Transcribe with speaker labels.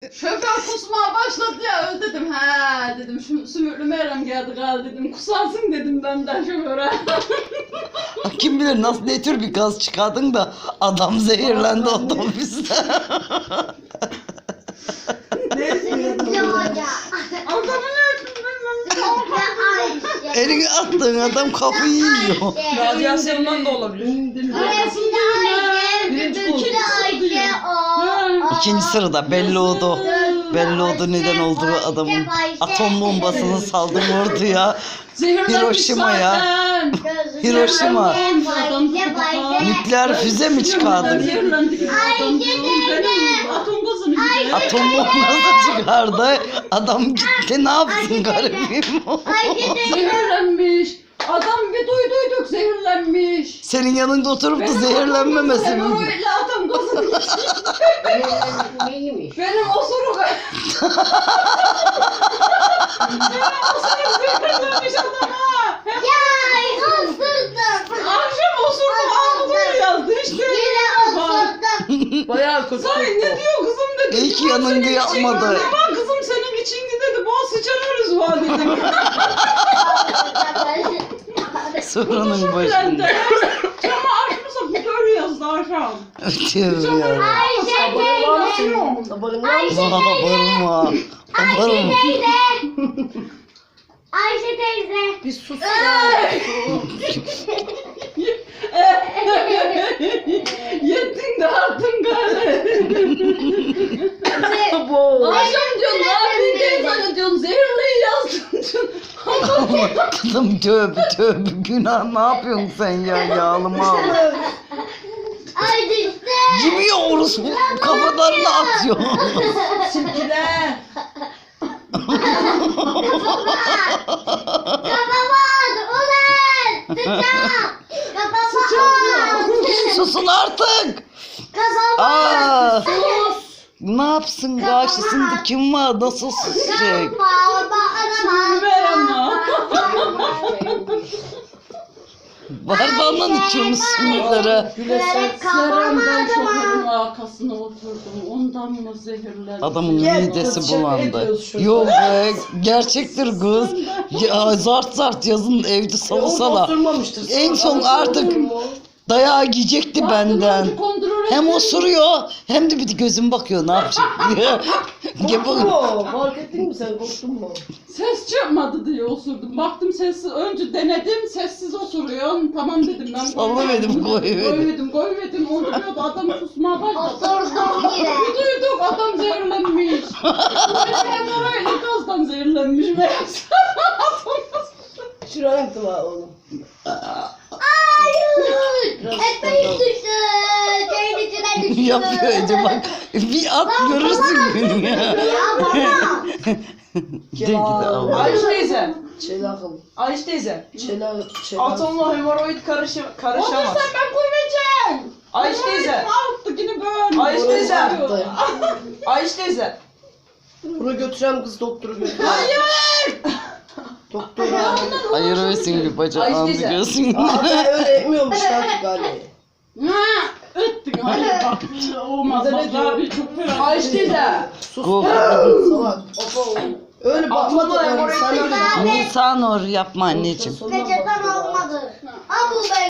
Speaker 1: Şoför kusmaya başladı ya dedim he dedim şu Sümüklü Meryem geldi galiba dedim kusarsın dedim benden şoföre.
Speaker 2: Kim bilir nasıl ne tür bir gaz çıkardın da adam zehirlendi otobüste.
Speaker 1: Adamı ne ettim ben
Speaker 2: Elini attığın adam kafayı yiyor.
Speaker 3: Radyasyondan da olabilir.
Speaker 2: İkinci sırada belli oldu. Belli oldu neden olduğu adamın atom bombasını saldım orduya. Hiroşima'ya. Hiroşima. Nükleer füze mi çıkardı?
Speaker 1: Atom gazını
Speaker 2: Atom bombası çıkardı. Adam gitti ne yapsın garibim?
Speaker 1: zehirlenmiş. Adam bir duyduyduk zehirlenmiş.
Speaker 2: Senin yanında oturup da zehirlenmemesi mi?
Speaker 1: Öyle adam gazını
Speaker 4: Neymiş?
Speaker 1: benim osuruk. Benim osuruk zehirlenmiş adama. Akşam osurdum ağzını yazdı işte.
Speaker 3: Bayağı kötü.
Speaker 1: Say ne diyor kızım dedi.
Speaker 2: İyi ki yanında yapmadı.
Speaker 1: Ama kızım senin için dedi. Bol sıçanırız var dedim.
Speaker 2: Sorunun başında.
Speaker 1: Çama açmışsa bu görüyoruz daha aşağı.
Speaker 2: Diyor ya. Bağırma. Bağırma.
Speaker 4: Ayşe teyze.
Speaker 3: Bir sus ya.
Speaker 1: Yettin de attın gari.
Speaker 3: Bu.
Speaker 1: Akşam diyorsun abi teyze diyorsun zehirliyi yazdın diyorsun.
Speaker 2: Kızım tövbe tövbe günah ne yapıyorsun sen ya yağlı mal.
Speaker 4: Ay düştü.
Speaker 2: Yemiyor orası kafalarına atıyor.
Speaker 3: Silkile.
Speaker 4: Kafama at ulan. Kafama at.
Speaker 2: Susun artık.
Speaker 4: Kafama
Speaker 2: Aa,
Speaker 4: at.
Speaker 2: ne yapsın karşısında kim var nasıl susacak? Bardağından içiyormuş sümükleri.
Speaker 1: Seren ben şoförün arkasına oturdum. Ondan mı zehirlendi?
Speaker 2: Adamın
Speaker 3: Gel,
Speaker 2: midesi
Speaker 3: kız, şaka
Speaker 2: bulandı.
Speaker 3: yapıyoruz şurada.
Speaker 2: Yok be gerçektir kız. Ya, zart zart yazın evde salasala.
Speaker 3: Oturmamıştır.
Speaker 2: En son artık dayağı yiyecekti benden. Hem osuruyor hem de bir de gözüm bakıyor ne yapacak diye.
Speaker 3: Korktun mu? Fark ettin mi sen? Korktun mu?
Speaker 1: Ses çıkmadı diye osurdum. Baktım sessiz. Önce denedim sessiz osuruyor. Tamam dedim ben.
Speaker 2: Sallamedim, koyuverdim.
Speaker 1: Koyuverdim. Onu diyordu adam kusmaya başladı.
Speaker 4: Oturdum yine.
Speaker 1: Bir duyduk adam zehirlenmiş. Hem orayla gazdan zehirlenmiş meğerse.
Speaker 3: Şuraya gittim ha oğlum.
Speaker 4: Ekmeğim düştü. Şeyin içine düştü.
Speaker 2: Yapıyor Ece bak. Bir at görürsün günü ya.
Speaker 4: Ya baba.
Speaker 2: De gidi Allah.
Speaker 3: Ayşe teyze.
Speaker 5: Çelakım.
Speaker 3: Ayşe teyze.
Speaker 5: Çelak.
Speaker 3: Atomla hemoroid karışamaz.
Speaker 1: Olursa ben koymayacağım.
Speaker 3: Ayşe teyze.
Speaker 1: Alttı yine böyle.
Speaker 3: Ayşe teyze.
Speaker 1: Oluyor.
Speaker 3: Ayşe teyze.
Speaker 5: Bunu götürem kız doktoru götür.
Speaker 1: Hayır.
Speaker 5: Doktora.
Speaker 2: Ayırırsın bir bacağını
Speaker 3: Ay teyze.
Speaker 2: gözün.
Speaker 5: Aa ben öyle etmiyormuş artık galiba.
Speaker 1: Ha, öttün hayır bak olmaz
Speaker 5: Bir de ne
Speaker 1: bak
Speaker 5: diyor?
Speaker 1: abi çok fena.
Speaker 3: Ayşe teyze.
Speaker 5: Sus.
Speaker 2: Go.
Speaker 5: Salak. Öyle bakma
Speaker 3: Atomla
Speaker 5: da yani
Speaker 3: hemoroid
Speaker 5: sen öyle.
Speaker 2: Nisan or yapma anneciğim.
Speaker 5: Sonuna bak.
Speaker 4: Peçeten olmadı. Al bu